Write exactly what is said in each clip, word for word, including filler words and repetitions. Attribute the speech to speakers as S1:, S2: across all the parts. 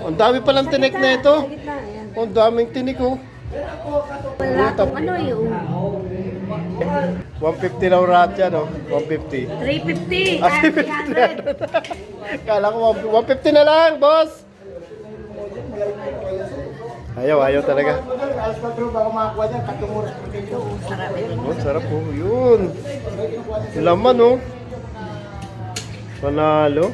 S1: Ang dami palang tinik na ito.
S2: Sa gitna, ayan.
S1: Ang daming tinik oh.
S2: Wala akong ano yung
S1: one fifty raw rat yan oh. one fifty.
S2: three fifty.
S1: Ah,
S2: Ah, three hundred.
S1: Kala ko one fifty na lang, boss. Ayaw, ayaw talaga.
S3: Alas patro bago makakuha dyan, tatlong oras pa dito.
S2: Oo, sarap ito.
S1: Oh, sarap po. Yun. Laman oh. Panalo.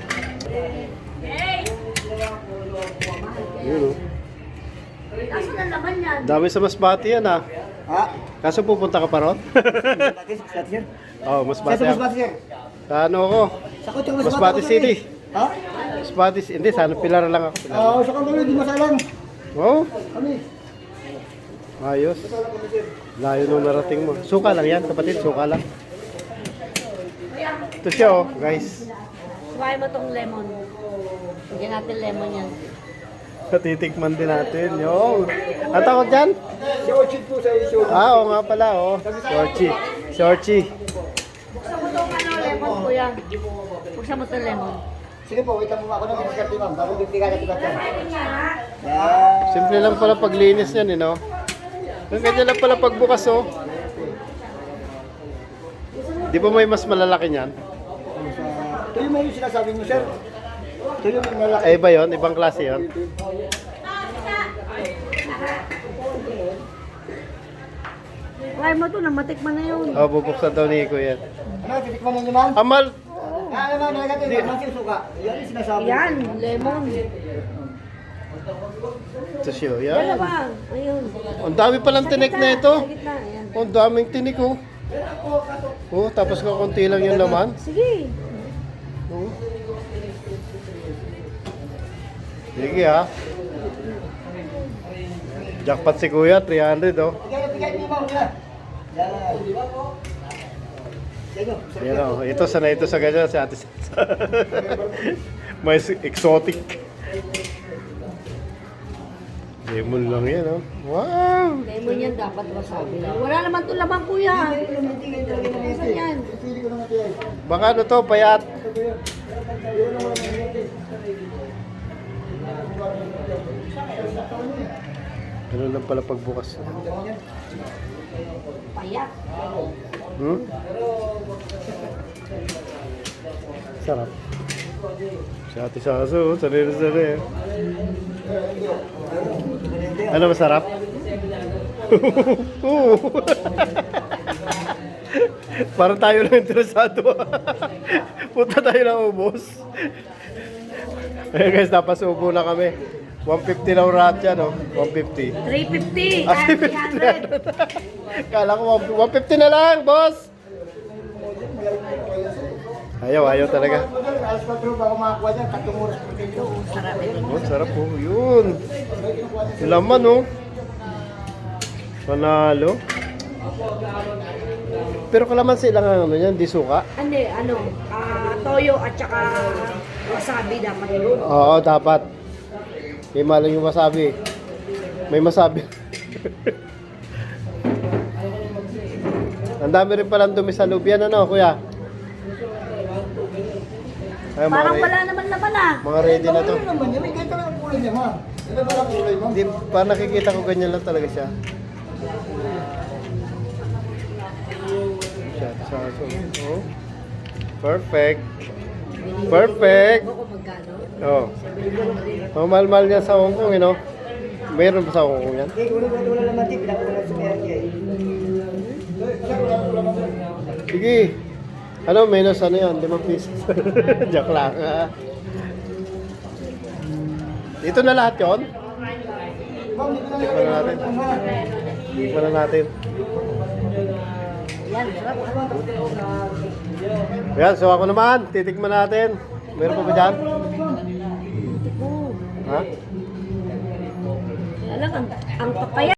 S1: Yun oh.
S2: Kaso na naman yan.
S1: Dami sa Masbate yan ah.
S3: Ha?
S1: Kaso pupunta ka pa ron?
S3: Dati, dati sir.
S1: Oo, oh,
S3: Sa
S1: Masbate.
S3: mas bati sir.
S1: Sa ano ako?
S3: Sa kutsang mas
S1: Masbate City.
S3: Ha?
S1: Masbate City. Hindi, sana Pilar lang ako. Pilar.
S3: Oo, sa kanto di masalang.
S1: Oh,
S3: Kami.
S1: ayos. Layo nung narating mo. Suka lang yan, kapatid. Suka lang. Ito siya oh, guys.
S2: Suwain mo tong lemon. Bigyan natin lemon yan.
S1: Titikman din natin. Yo. Ang tawag dyan?
S3: Si Ochid po sa isyo.
S1: Ah, oo nga pala oh. Sorchi. Sorchi.
S2: Buksan mo tong ano, lemon kuya. Buksan mo tong lemon.
S3: Sige po, wait lang mo ako na mga karti ma'am. Bago bibigyan natin ba ito?
S2: Ah,
S3: Yan.
S1: Simple lang pala paglinis yan, eh, no? Ang ganyan lang pala pagbukas, oh. Di ba may mas malalaki niyan?
S3: Ito yung may sinasabi mo sir. Ito yung malaki.
S1: Ay, iba yun? Ibang klase yun?
S2: Suwain mo to, namatikman na yun.
S1: Oh, bubuksan daw ni Iko yan.
S3: Ano, titikman ninyo ma'am?
S1: Amal!
S3: Ah, ano ma'am, nalagay ito. Naman yung suka. Yan yung sinasabi.
S2: Yan, lemon.
S1: Ito siya,
S2: Yan na
S1: yan.
S2: ba? Ayun.
S1: Ang dami palang tinik na ito.
S2: Sa gitna, ayan.
S1: Ang daming tinik, oh. Oh, tapos kakunti lang yung laman.
S2: Sige.
S1: Oh. Sige, ha. Jackpot si Kuya, three hundred, oh.
S3: Bigyan, bigyan niyo ma'am. Yan. Yan. Yan o.
S1: Yan o, ito sanay ito sa ganyan si Ate Sansa. May exotic. Lemon lang yan, oh. Wow!
S2: Lemon yan dapat wasabi. Wala naman to lamang kuya. Saan yan?
S3: Pili ko naman ito yan.
S1: Baka ano to, payat. Ano lang pala pagbukas.
S2: Payak.
S1: Hmm? Sarap. Si Ate Sansa, oh, sanay na sanay. Ano masarap? Oo. Parang tayo lang interesado. Punta tayo lang ubos. Ayun guys, napasubo na kami. one fifty lang rat yan, oh. one fifty.
S2: three fifty.
S1: Ah,
S2: Ah, three hundred.
S1: Kala ko one fifty na lang, boss. Ayaw, ayaw talaga.
S3: Alas patro bago makakuha dyan, tatlong oras pa dito.
S2: Oo, sarap ito.
S1: Oh, sarap po. Yun. Laman, oh. Panalo. Pero kalamansi lang ang ano yan, di suka.
S2: Hindi, ano, ah, toyo at saka wasabi dapat yun.
S1: Oo, dapat. May malang yung wasabi. May masabi. Ang dami rin palang dumi sa loob yan, ano, kuya? Ay, mga
S2: Parang
S1: re-
S2: wala naman naman ah.
S1: Mga ready na to.
S3: Ano naman yan? May ganito lang ang kulay niya ma'am. Ito ba lang kulay ma'am?
S1: Hindi, parang nakikita ko ganyan lang talaga siya. Siya, sa so, oh. Perfect. Perfect.
S2: Ako magkano?
S1: Oh. Oh, mahal-mahal niya sa Hong Kong, you know? Mayroon pa sa Hong Kong yan?
S3: Hindi, wala wala wala naman din. Pinakulang sa kaya niya eh.
S1: Sige. Ano, menos ano yan? Limang pisos. Joke lang. ah. Dito na lahat yon.
S3: Ma'am, dito na
S1: Tikman na natin. Tikman na natin.
S2: Yan, sarap.
S1: Ayan, so ako naman. Titikman natin. Meron pa ba dyan?
S2: Oo.
S1: Ha?
S2: Kaya lang, ang, ang papaya.